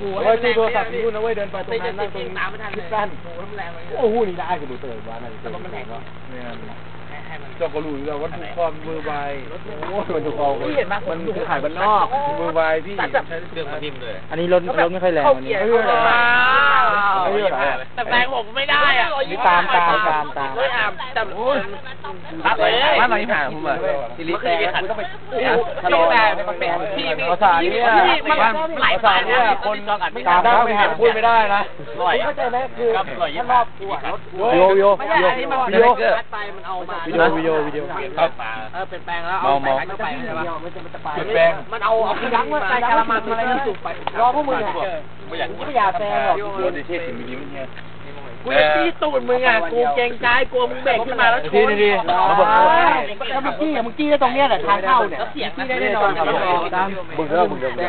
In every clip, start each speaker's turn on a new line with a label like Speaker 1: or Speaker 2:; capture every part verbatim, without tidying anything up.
Speaker 1: กูว่าดูโทรศัพท์นู่นนะเว้ยเดินไปตรงนั้นนั่งตรงนี้คิดสั้นโอ้โหนี่ได้กูดูเตยว่านั่นเตยมันแรงก็เจ้าก็รู้แล้วว่าถูกคอมมือใบโอ้มันถูกคอมมันคือขายบ้านนอกมือใบพี่เรื่องมันนิ่มเลยอันนี้รถรถไม่ค่อยแรงวันนี้
Speaker 2: แต่แรงผมไม่ได้อ่ะ
Speaker 1: ตามตามตามตาม
Speaker 2: ไม่อาบแต่โอ้ย
Speaker 1: บ้านเราที่ผ่านผมอ่ะ
Speaker 2: สิริแตกคุณต้องไปทะเลแต่พี่พี่
Speaker 1: ภาษาเนี่ย
Speaker 2: บ้านหลายฝ่ายเนี่ย
Speaker 1: คนตามแล้วไม่หาพูดไม่ได้นะเข้าใจไหมคือถ้ารอบกูอ่ะรถโยโยโยโย
Speaker 2: ไปมันเอามา
Speaker 1: วิดีโอวิดีโอวิดีโอ
Speaker 2: ครับเออเปลี่ยนแปลงแล้วเอาไปเข้าไปใช่ป่ะ
Speaker 1: เปลี่ยนแปลง
Speaker 2: มันเอาเอายั้งว่าใจกะละมังอะไรนั่นสุกไป
Speaker 1: รอพวกมึงอ่ะไม่อยากไม่อยากแซงหรอกกูดิเทศถึงนี้มันเนี่ย
Speaker 2: กูจะตีตูดมึงอ่ะกูเกรงใจกลัวมึงเบรกขึ้นมาแล้วชน
Speaker 1: ดีๆมาบอกถ้ามึงจี้มึงจี้ได้ตรงเนี้ยแหละทางเข้าเนี่ยจี้ได้แน่นอนตามมึงเริ่มมึงเริ่ม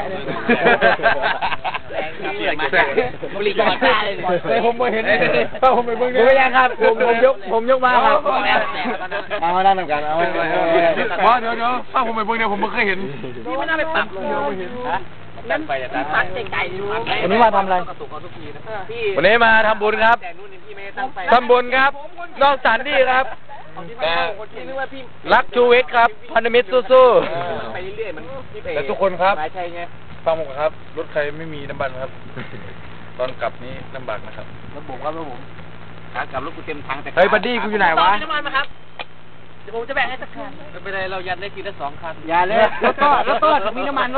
Speaker 2: บริการได้
Speaker 1: เลยผมไม่เห็นผมไม่เบิ่งเลยไม่ยังครับผมผมยกผมยกมาครับเอามาด้านหนึ่งกันเอาว่าเดี๋ยวเดี๋ยวถ้าผมไม่เบิ่งเนี่ยผมไม่เคยเห็น
Speaker 2: นี่ไม่น่าไปปรับเลยนั่นไปแต่ตัดไกลๆดู
Speaker 1: วันนี้มาทำอะไรวันนี้มาทำบุญครับทำบุญครับนอกสถานที่ครับรักชูวิทย์ครับพันธมิตรสู้ๆแต่ทุกคนครับฟังผมครับรถใครไม่มีน้ำมันครับตอนกลับนี้ลำบากนะครับรถผมครับรถผม
Speaker 2: ขากลับรถกูเต็มถังแต่
Speaker 1: เฮ้ยบัดดี้กูอยู่ไหนวะ
Speaker 2: น้ำมันมาครับเดี๋ยวผมจะแบ่งให้สักคันไม่เป็นไรเรายันได้ทีละสองคัน
Speaker 1: อย่าเลยรถก็รถก็มีน้ำมัน